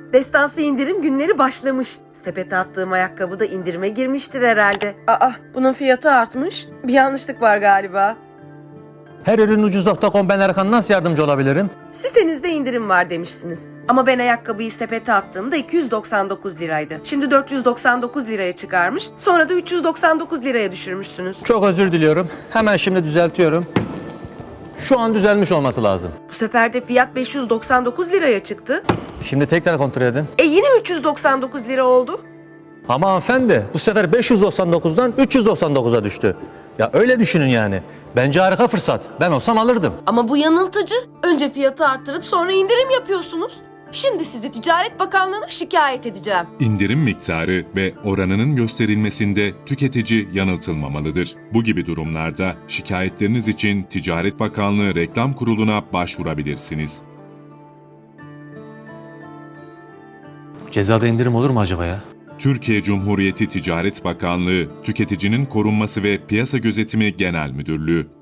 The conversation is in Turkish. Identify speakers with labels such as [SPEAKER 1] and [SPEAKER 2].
[SPEAKER 1] Destansı indirim günleri başlamış. Sepete attığım ayakkabı da indirime girmiştir herhalde. Aa, bunun fiyatı artmış. Bir yanlışlık var galiba.
[SPEAKER 2] Her ürün ucuz.com, ben Erkan, nasıl yardımcı olabilirim?
[SPEAKER 1] Sitenizde indirim var demişsiniz. Ama ben ayakkabıyı sepete attığımda 299 liraydı. Şimdi 499 liraya çıkarmış. Sonra da 399 liraya düşürmüşsünüz.
[SPEAKER 2] Çok özür diliyorum. Hemen şimdi düzeltiyorum. Şu an düzelmiş olması lazım.
[SPEAKER 1] Bu sefer de fiyat 599 liraya çıktı.
[SPEAKER 2] Şimdi tekrar kontrol edin.
[SPEAKER 1] Yine 399 lira oldu.
[SPEAKER 2] Ama hanımefendi, bu sefer 599'dan 399'a düştü. Ya öyle düşünün yani. Bence harika fırsat. Ben olsam alırdım.
[SPEAKER 1] Ama bu yanıltıcı. Önce fiyatı arttırıp sonra indirim yapıyorsunuz. Şimdi sizi Ticaret Bakanlığı'na şikayet edeceğim.
[SPEAKER 3] İndirim miktarı ve oranının gösterilmesinde tüketici yanıltılmamalıdır. Bu gibi durumlarda şikayetleriniz için Ticaret Bakanlığı Reklam Kurulu'na başvurabilirsiniz.
[SPEAKER 2] Cezada indirim olur mu acaba ya?
[SPEAKER 3] Türkiye Cumhuriyeti Ticaret Bakanlığı, Tüketicinin Korunması ve Piyasa Gözetimi Genel Müdürlüğü